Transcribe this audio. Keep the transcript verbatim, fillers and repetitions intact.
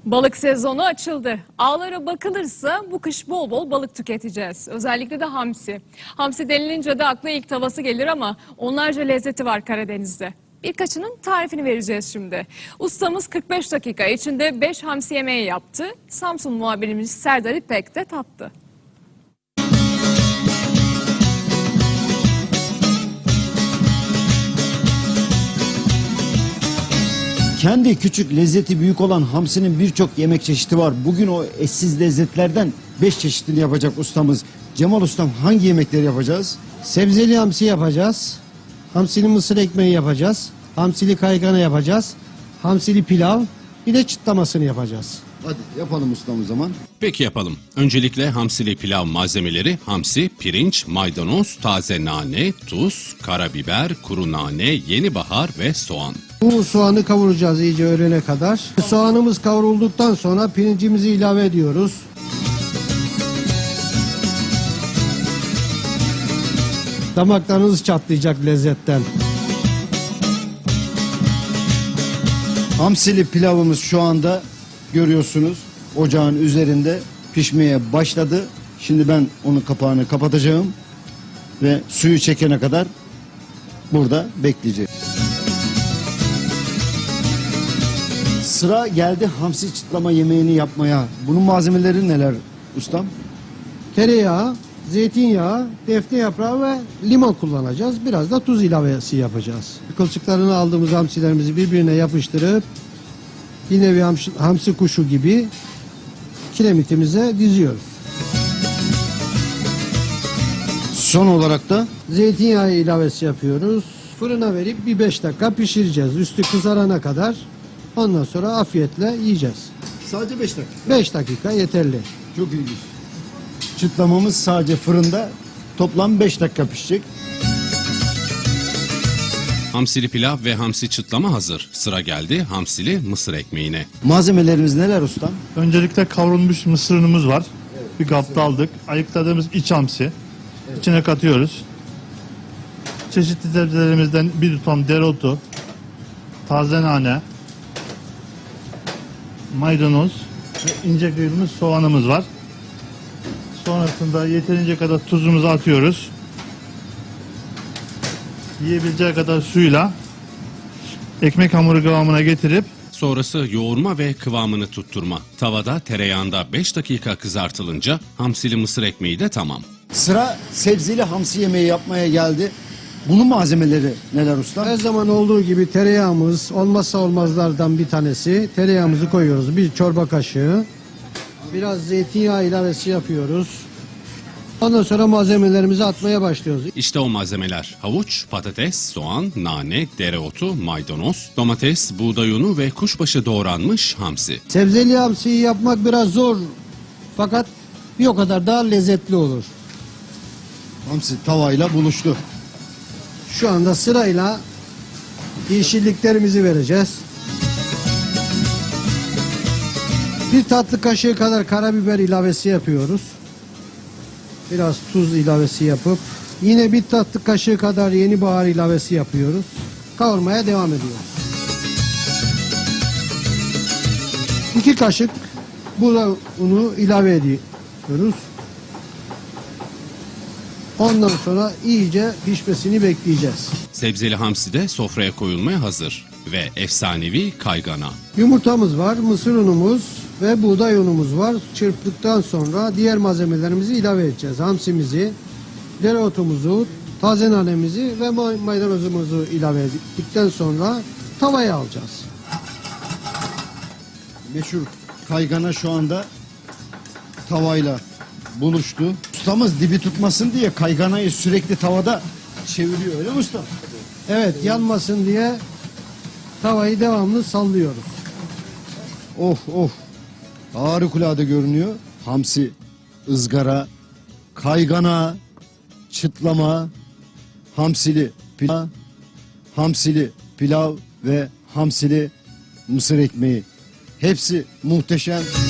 Balık sezonu açıldı. Ağlara bakılırsa bu kış bol bol balık tüketeceğiz. Özellikle de hamsi. Hamsi denilince de akla ilk tavası gelir ama onlarca lezzeti var Karadeniz'de. Birkaçının tarifini vereceğiz şimdi. Ustamız kırk beş dakika içinde beş hamsi yemeği yaptı. Samsun muhabirimiz Serdar İpek de tattı. Kendi küçük lezzeti büyük olan hamsinin birçok yemek çeşidi var. Bugün o eşsiz lezzetlerden beş çeşitini yapacak ustamız. Cemal ustam, hangi yemekleri yapacağız? Sebzeli hamsi yapacağız. Hamsili mısır ekmeği yapacağız. Hamsili kaygana yapacağız. Hamsili pilav. Bir de çıtlamasını yapacağız. Hadi yapalım ustam o zaman. Peki yapalım. Öncelikle hamsili pilav malzemeleri: hamsi, pirinç, maydanoz, taze nane, tuz, karabiber, kuru nane, yeni bahar ve soğan. Bu soğanı kavuracağız iyice öğlene kadar. Soğanımız kavrulduktan sonra pirincimizi ilave ediyoruz. Damaklarınız çatlayacak lezzetten. Hamsili pilavımız şu anda görüyorsunuz ocağın üzerinde pişmeye başladı. Şimdi ben onun kapağını kapatacağım ve suyu çekene kadar burada bekleyeceğim. Sıra geldi hamsi çıtlama yemeğini yapmaya. Bunun malzemeleri neler ustam? Tereyağı, zeytinyağı, defne yaprağı ve limon kullanacağız. Biraz da tuz ilavesi yapacağız. Kılçıklarını aldığımız hamsilerimizi birbirine yapıştırıp yine bir hamsi, hamsi kuşu gibi kiremitimize diziyoruz. Son olarak da Zeytinyağı ilavesi yapıyoruz. Fırına verip bir beş dakika pişireceğiz. Üstü kızarana kadar. Ondan sonra afiyetle yiyeceğiz. sadece beş dakika. beş dakika yeterli. Çok ilginç. Çıtlamamız sadece fırında toplam beş dakika pişecek. Hamsili pilav ve hamsi çıtlama hazır. Sıra geldi hamsili mısır ekmeğine. Malzemelerimiz neler ustam? Öncelikle kavrulmuş mısır unumuz var. Bir kapta aldık. Ayıkladığımız iç hamsi. İçine katıyoruz. Çeşitli sebzelerimizden bir tutam dereotu, taze nane, maydanoz ve ince kıyılmış soğanımız var. Sonrasında yeterince kadar tuzumuzu atıyoruz. Yiyebileceği kadar suyla ekmek hamuru kıvamına getirip Sonrası yoğurma ve kıvamını tutturma. Tavada tereyağında beş dakika kızartılınca hamsili mısır ekmeği de tamam. Sıra sebzeli hamsi yemeği yapmaya geldi. Bunun malzemeleri neler ustam? Her zaman olduğu gibi tereyağımız olmazsa olmazlardan bir tanesi. Tereyağımızı koyuyoruz. Bir çorba kaşığı. Biraz zeytinyağı ilavesi yapıyoruz. Ondan sonra malzemelerimizi atmaya başlıyoruz. İşte o malzemeler: havuç, patates, soğan, nane, dereotu, maydanoz, domates, buğday unu ve kuşbaşı doğranmış hamsi. Sebzeli hamsiyi yapmak biraz zor. Fakat bir o kadar daha lezzetli olur. Hamsi tavayla buluştu. Şu anda sırayla yeşilliklerimizi vereceğiz. Bir tatlı kaşığı kadar karabiber ilavesi yapıyoruz. Biraz tuz ilavesi yapıp yine bir tatlı kaşığı kadar yeni bahar ilavesi yapıyoruz. Kavurmaya devam ediyoruz. İki kaşık buğday unu ilave ediyoruz. Ondan sonra iyice pişmesini bekleyeceğiz. Sebzeli hamsi de sofraya koyulmaya hazır. Ve efsanevi kaygana. Yumurtamız var, mısır unumuz ve buğday unumuz var. Çırptıktan sonra diğer malzemelerimizi ilave edeceğiz. Hamsimizi, dereotumuzu, taze nanemizi ve maydanozumuzu ilave ettikten sonra tavaya alacağız. Meşhur kaygana şu anda tavayla buluştu. Ustamız dibi tutmasın diye kayganayı sürekli tavada çeviriyor, öyle mi usta? Evet, yanmasın diye tavayı devamlı sallıyoruz. Of of. Harikulade görünüyor. Hamsi, ızgara, kaygana, çıtlama, hamsili pilav, hamsili pilav ve hamsili mısır ekmeği. Hepsi muhteşem.